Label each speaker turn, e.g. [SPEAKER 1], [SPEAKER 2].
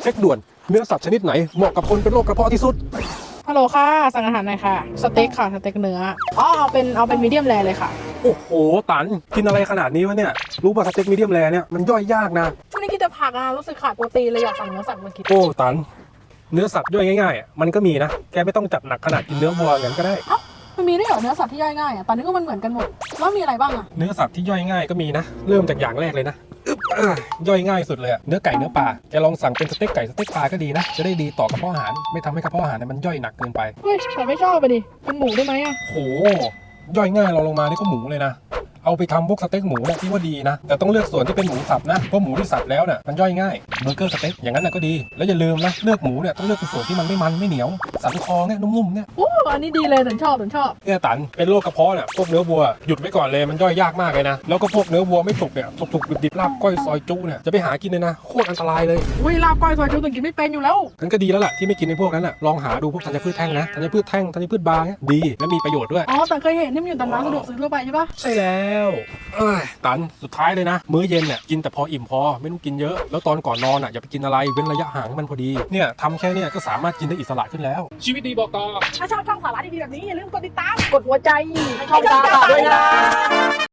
[SPEAKER 1] ช็คด่วนเนื้อสัตว์ชนิดไหนเหมาะกับคนเป็นโรคกระเพาะที่สุด
[SPEAKER 2] ฮัลโหลค่ะสั่งอาหารหน่อยค่ะสเต็กค่ะสเต็กเนื้อเอาเป็นมีเดียมแรเลยค่ะ
[SPEAKER 1] โอ้โหตันกินอะไรขนาดนี้วะเนี่ยรู้ป่ะสเต็กมีเดียมแรเนี่ยมันย่อยยากนะ
[SPEAKER 2] ช่วงนี้กินแต่ผักรู้สึกขาดโปรตีนเลยอยากสั่งเนื้อสัตว์มากิน
[SPEAKER 1] โอ้ตันเนื้อสัตว์ย่อยง่ายๆมันก็มีนะแกไม่ต้องจัดหนักขนาดกินเนื้อวัวอย่างนั้นก็ได้
[SPEAKER 2] มันมีด้วยเหรอเนื้อสัตว์ที่ย่อยง่ายตอนนี้ก็มันเหมือนกันหมดแล้วมีอะไรบ้าง
[SPEAKER 1] เนื้อสัตว์ที่ย่อยง่ายก็มีนะเริ่มจากอย่างแรกเลยนะย่อยง่ายสุดเลยเนื้อไก่เนื้อปลาแกลองสั่งเป็นสเต็กไก่สเต็กปลาก็ดีนะจะได้ดีต่อกระเพาะอาหารไม่ทำให้กระเพาะอาหารมันย่อยหนักเกินไป
[SPEAKER 2] เฮ้ยแต่ไม่ชอบไปดิเป็นหมูได้ไหม
[SPEAKER 1] โหย่อยง่ายเราลงมานี่ก็หมูเลยนะเอาไปทำพวกสเต็กหมูเนี่ยที่ว่าดีนะแต่ต้องเลือกส่วนที่เป็นหมูสับนะเพราะหมูที่สับแล้วเนี่ยมันย่อยง่ายเบอร์เกอร์สเต็กอย่างนั้นน่ะก็ดีแล้วอย่าลืมนะเลือกหมูเนี่ยต้องเลือกเป็นส่วนที่มันไม่มันไม่เหนียวสันคอเนี่ยนุ่มๆเนี่ย
[SPEAKER 2] โอ้อันนี้ดีเลยฉันชอบ
[SPEAKER 1] เนี่ยตันเป็นโรคกระเพาะเนี่ยพวกเนื้อวัวหยุดไว้ก่อนเลยมันย่อยยากมากเลยนะแล้วก็พวกเนื้อวัวไม่สุกเนี่ยสุกๆดิบๆลาบก้อยซอยจุเนี่ยจะไปหากินเลยนะโคตรอันตรายเลย
[SPEAKER 2] อุ้ยลาบก้อยซอยจุถึงกินไม่เป็นอยู่แล้ว
[SPEAKER 1] งั้นก็ดีแล้วล่ะที่ไม่กินในพวกนั้นน่ะลองหาดูพวกธัญพืชแท่งนะธัญพืชแท่งธัญพืชบางเนี่ยดีและมีประโยชน์ด้วย
[SPEAKER 2] แต่เคยเห็นที่มันอยู่ตามร้านสะดวกซื้อทั่วไปใช่ปะ
[SPEAKER 1] ใช่แล้วตันสุดท้ายเลยนะมื้อเย็นเนี่ยกินแต่พออิ่มพอไม่ต้องกินเยอะแล้วตอนก่อนนอนอย่าไปกินอะไรเว้นระยะห่างให้มันพอดีเนี่ยทำแค่เนี่ยก็สามารถกินได้อิสระขึ้นแล้วชีวิตดีบอกต่อ
[SPEAKER 2] ถ้าชอบช่องสาระดีๆแบบนี้อย่าลืมกดติดตามกดหัวใจให้ช่องตาด้วยนะ